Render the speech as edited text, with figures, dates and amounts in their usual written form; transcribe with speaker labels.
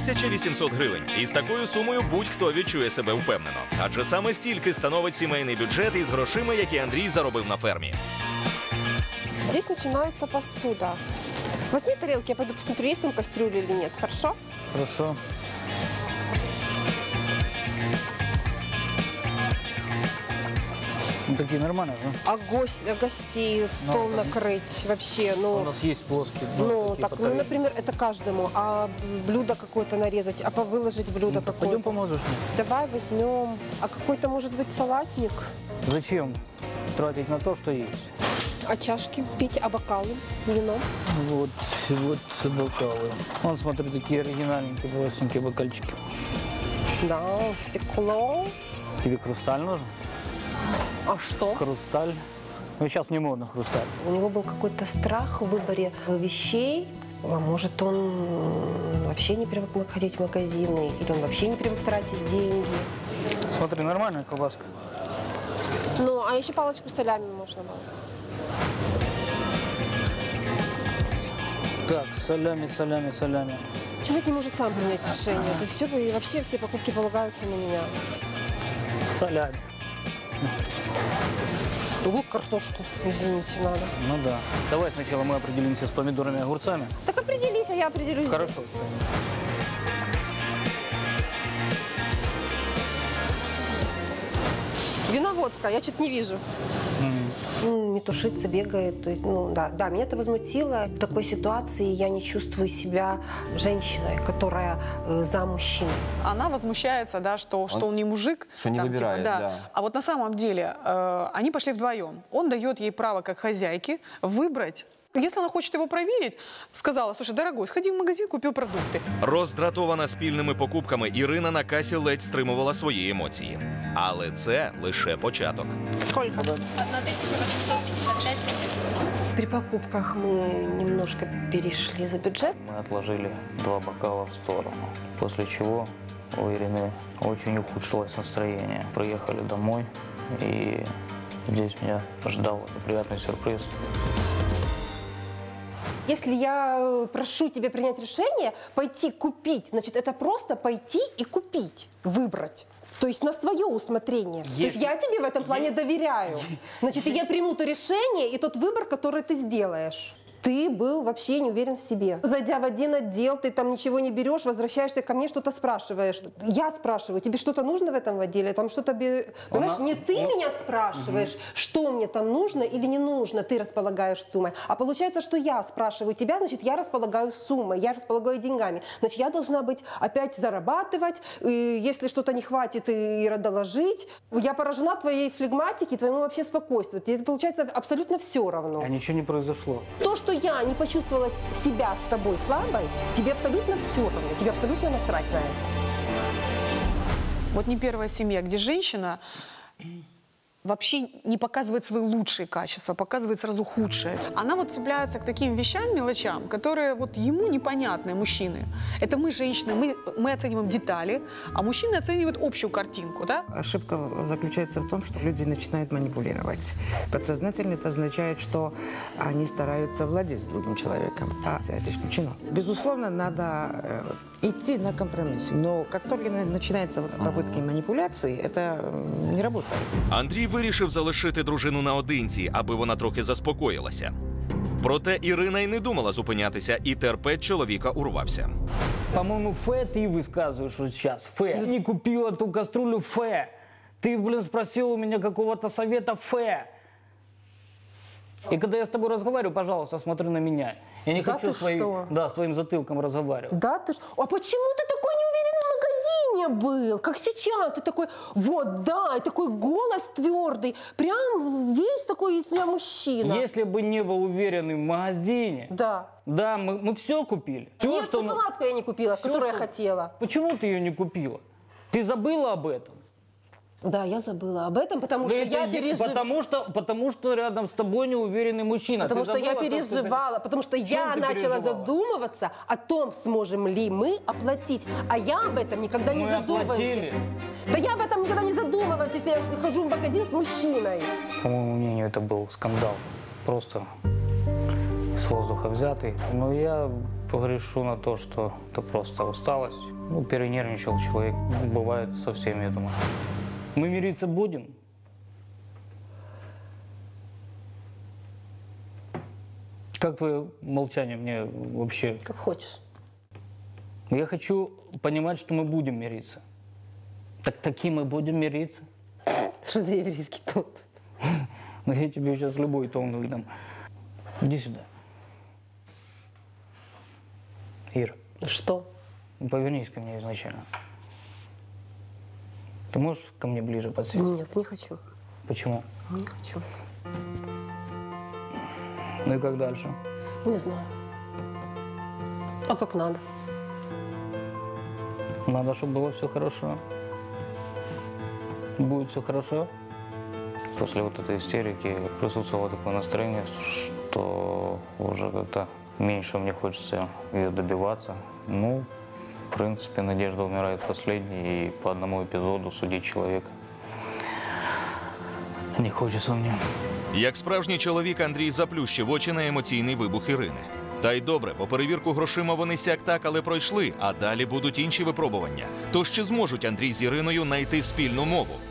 Speaker 1: 1800 гривень. І з такою сумою будь-хто відчує себе впевнено. Адже саме стільки становить сімейний бюджет із грошима, які Андрій заробив на фермі.
Speaker 2: Здесь начинается посуда. Возьми тарелки, я пойду посмотрю, есть там кастрюля или нет, хорошо?
Speaker 3: Хорошо. Ну, такие нормальные, да?
Speaker 2: А гостей стол накрыть вообще, ну...
Speaker 3: У нас есть плоские.
Speaker 2: Ну, так, ну, например, это каждому. А блюдо какое-то нарезать, а выложить блюдо
Speaker 3: Ну,
Speaker 2: какое-то.
Speaker 3: пойдем поможешь мне.
Speaker 2: Давай возьмем. А какой-то, может быть, салатник?
Speaker 3: Зачем тратить на то, что есть?
Speaker 2: А чашки пить, а бокалы, вино?
Speaker 3: Вот бокалы. Вон, смотри, такие оригинальненькие, простенькие бокальчики.
Speaker 2: Да, стекло.
Speaker 3: Тебе хрусталь нужен?
Speaker 2: А что?
Speaker 3: Хрусталь. Ну, сейчас не модно хрусталь.
Speaker 2: У него был какой-то страх в выборе вещей. А может, он вообще не привык ходить в магазины, или он вообще не привык тратить деньги.
Speaker 3: Смотри, нормальная колбаска.
Speaker 2: Ну, а еще палочку с солями можно было.
Speaker 3: Так, солями.
Speaker 2: Человек не может сам принять решение. То есть все, и вообще все покупки полагаются на меня.
Speaker 3: Солями.
Speaker 2: Лук, картошку, извините, надо.
Speaker 3: Ну да. Давай сначала мы определимся с помидорами и огурцами.
Speaker 2: Так определись, а я определюсь.
Speaker 3: Хорошо.
Speaker 2: Вино, водка, я что-то не вижу. Ну, метушится, бегает. То есть, ну, да, меня это возмутило. В такой ситуации я не чувствую себя женщиной, которая за мужчиной.
Speaker 4: Она возмущается, да, что он не мужик.
Speaker 5: Что не выбирает,
Speaker 4: типа,
Speaker 5: да.
Speaker 4: А вот на самом деле они пошли вдвоем. Он дает ей право, как хозяйке, выбрать. Если она хочет его проверить, сказала: слушай, дорогой, сходи в магазин, купил продукты.
Speaker 1: Роздратована спільними покупками, Ірина на касі ледь стримувала свої емоції. Але це лише початок.
Speaker 2: Сколько?
Speaker 6: 1855.
Speaker 2: При покупках мы немножко перешли за бюджет.
Speaker 3: Мы отложили 2 бокала в сторону, после чего у Ирины очень ухудшилось настроение. Приехали домой, и здесь меня ждал неприятный сюрприз.
Speaker 2: Если я прошу тебя принять решение, пойти купить, значит, это просто пойти и купить, выбрать. То есть на свое усмотрение. То есть я тебе в этом плане доверяю. Значит, и я приму то решение и тот выбор, который ты сделаешь. Ты был вообще не уверен в себе. Зайдя в один отдел, ты там ничего не берешь, возвращаешься ко мне, что-то спрашиваешь. Я спрашиваю, тебе что-то нужно в этом отделе? Там что-то, понимаешь, не ты меня спрашиваешь, что мне там нужно или не нужно, ты располагаешь суммой. А получается, что я спрашиваю тебя, значит, я располагаю суммой, я располагаю деньгами. Значит, я должна быть опять зарабатывать, и если что-то не хватит, и доложить. Я поражена твоей флегматике, твоему вообще спокойствию. Тебе, получается, абсолютно все равно.
Speaker 3: А ничего не произошло.
Speaker 2: То, что я не почувствовала себя с тобой слабой, тебе абсолютно все равно, тебе абсолютно насрать на это.
Speaker 4: Вот не первая семья, где женщина вообще не показывает свои лучшие качества, показывает сразу худшие. Она вот цепляется к таким вещам, мелочам, которые вот ему непонятны, мужчины. Это мы, женщины, мы оцениваем детали, а мужчины оценивают общую картинку, да?
Speaker 7: Ошибка заключается в том, что люди начинают манипулировать. Подсознательно это означает, что они стараются владеть другим человеком, а это исключено. Безусловно, надо идти на компромисс, но как только начинаются попытки манипуляции, это не работает.
Speaker 1: Андрій вирішив залишити дружину наодинці, аби вона трохи заспокоїлася. Проте Ірина й не думала зупинятися, і терпець чоловіка урвався.
Speaker 3: По-моему, Фе ты высказываешь вот сейчас. Фе. Ты не купила ту кастрюлю, Фе. Ты, блин, спросил у меня какого-то совета, Фе. И когда я с тобой разговариваю, пожалуйста, смотри на меня. Я не хочу с твоим затылком разговаривать.
Speaker 2: Да ты ж... А почему ты такой неуверенный в магазине был? Как сейчас? Ты такой, вот, да, и такой голос твердый. Прям весь такой из себя мужчина.
Speaker 3: Если бы не был уверенный в магазине,
Speaker 2: да,
Speaker 3: мы все купили.
Speaker 2: Нет, шоколадку я не купила, которую я хотела.
Speaker 3: Почему ты ее не купила? Ты забыла об этом?
Speaker 2: Да, я забыла об этом, потому что я переживала.
Speaker 3: Потому что рядом с тобой неуверенный мужчина.
Speaker 2: Потому что я переживала, потому что я начала задумываться о том, сможем ли мы оплатить. А я об этом никогда не задумываюсь. Да я об этом никогда не задумываюсь, если я хожу в магазин с мужчиной.
Speaker 3: По моему мнению, это был скандал. Просто с воздуха взятый. Но я погрешу на то, что это просто усталость. Ну, перенервничал человек. Бывает со всеми, я думаю. Мы мириться будем? Как твое молчание мне вообще?
Speaker 2: Как хочешь.
Speaker 3: Я хочу понимать, что мы будем мириться. Так таки мы будем мириться?
Speaker 2: Что за еврейский тон?
Speaker 3: Ну, я тебе сейчас любой тон выдам. Иди сюда. Ира,
Speaker 2: Что?
Speaker 3: повернись ко мне изначально. Ты можешь ко мне ближе подсесть?
Speaker 2: Нет, не хочу.
Speaker 3: Почему?
Speaker 2: Не хочу.
Speaker 3: Ну и как дальше?
Speaker 2: Не знаю. А как надо?
Speaker 3: Надо, чтобы было все хорошо. Будет все хорошо. После вот этой истерики присутствовало такое настроение, что уже как-то меньше мне хочется ее добиваться. Ну, в принципе, надежда умирает последней, и по одному эпизоду судить человека не хочется мне.
Speaker 1: Як справжній чоловік, Андрій заплющив очі на емоційний вибух Ірини. Та й добре, бо перевірку грошима вони сяк-так, але пройшли, а далі будуть інші випробування. Тож чи зможуть Андрій з Іриною знайти спільну мову?